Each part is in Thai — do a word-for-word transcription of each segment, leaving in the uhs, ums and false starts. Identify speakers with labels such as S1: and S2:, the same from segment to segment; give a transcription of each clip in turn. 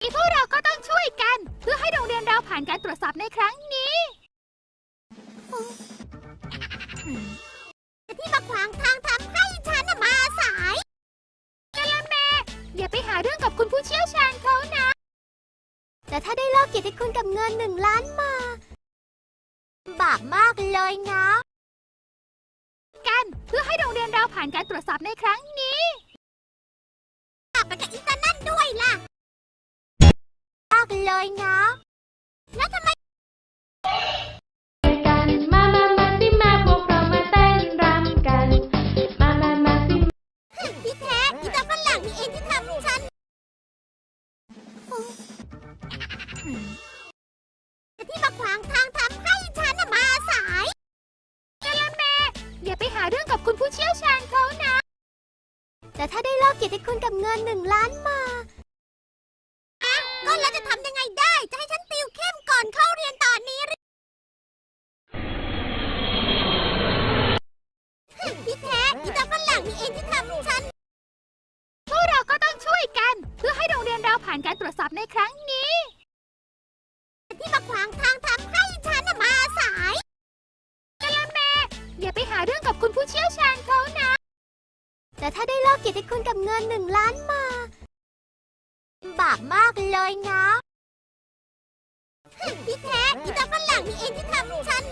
S1: พวกเราก็ต้องช่วยกันเพื่อให้โรงเรียนเราผ่านการตรวจสอบในครั้งนี้ที่มาขวางทางทำให้ฉันมาสายกะละแมอย่าไปหาเรื่องกับคุณผู้เชี่ยวชาญเขานะแต่ถ้าได้ลอกเกียรติคุณกับเงินหนึ่งล้านมาบาปมากเลยนะกันเพื่อให้โรงเรียนเราผ่านการตรวจสอบในครั้งนี้บาปไปกับอีตานั่นด้วยล่ะมากเลยนะแล้วทำไม
S2: กันมามามาสิมาพวกเรามาเต้นรำกันมามามาสิ
S1: ที่แท้อีตาฝรั่งนี่เองที่ทำฉันที่มาขวางทางทำให้ฉันมาสายกะละแมอย่าไปหาเรื่องกับคุณผู้เชี่ยวชาญเขานะแต่ถ้าได้ลอกเกียรติคุณกับเงินหนึ่งล้านมาก็แล้วจะทำยังไงได้จะให้ฉันติวเข้มก่อนเข้าเรียนตอนนี้หรือที่แท้อีตาฝรั่งนี่เองที่ทำฉันพวกเราก็ต้องช่วยกันเพื่อให้โรงเรียนเราผ่านการตรวจสอบในครั้งนี้ที่มาขวางทางทำให้ฉันมาสายกะละแมอย่าไปหาเรื่องกับคุณผู้เชี่ยวชาญเขานะแต่ถ้าได้ลอกเกียรติคุณกับเงินหนึ่งล้านมาบาปมากเลยนะที่แท้อีตาฝรั่งนี่เองที่ทำฉัน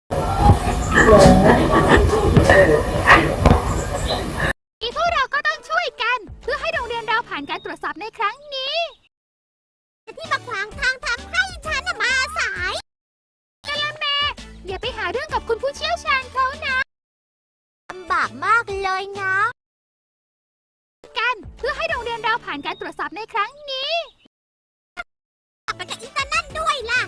S1: อีพวกเราก็ต้องช่วยกันเพื่อให้โรงเรียนเราผ่านการตรวจสอบในครั้งนี้ที่มาขวางทางทำให้ฉันมาสายกะละแมอย่าไปหาเรื่องกับคุณผู้เชี่ยวชาญเขานะบาปมากเลยนะกันเพื่อให้โรงเรียนเราผ่านการตรวจสอบในครั้งนี้ไปกับอีตานั่นด้วยล่ะ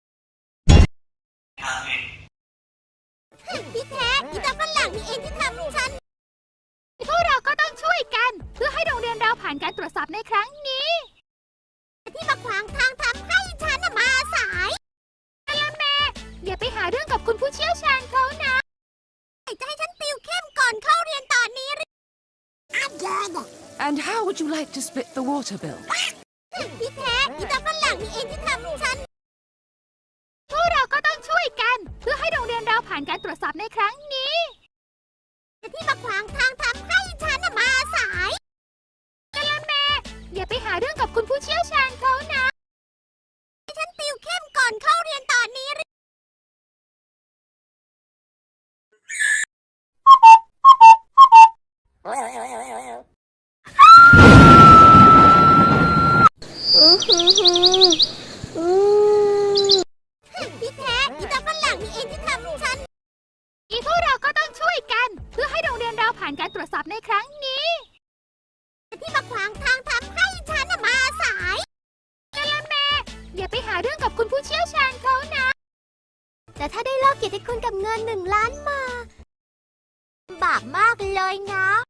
S1: ที่แท้อีตาฝรั่งนี่เองที่ทำฉันพวกเราก็ต้องช่วยกันเพื่อให้โรงเรียนเราผ่านการตรวจสอบในครั้งนี้ที่มาขวางทางทำให้ฉันมาสายกะละแมอย่าไปหาเรื่องกับคุณผู้เชี่ยวชาญเขานะจะให้ฉันติวเข้มก่อนเข้าเรียนตอนนี้หรือ
S3: And how would you like to split the water bill?
S1: ที่แท้อีตาฝรั่งนี่เองที่ทำฉันพวกเราก็ต้องช่วยกันเพื่อให้โรงเรียนเราผ่านการตรวจสอบในครั้งนี้ที่มาขวางทางทำให้ฉันมาสายกะละแมอย่าไปหาเรื่องกับคุณผู้เชี่ยวชาญเขานะให้ฉันติวเข้มก่อนเข้าเรียนตอนนี้หรือที่แท้อีตาฝรั่งนี่เองที่ทำฉันอีพวกเราก็ต้องช่วยกันเพื่อให้โรงเรียนเราผ่านการตรวจสอบในครั้งนี้ที่มาขวางทางทำให้ฉันมาสายกะละแมอย่าไปหาเรื่องกับคุณผู้เชี่ยวชาญเขานะแต่ถ้าได้ลอกเกียรติคุณกับเงินหนึ่งล้านมาบาปมากเลยนะ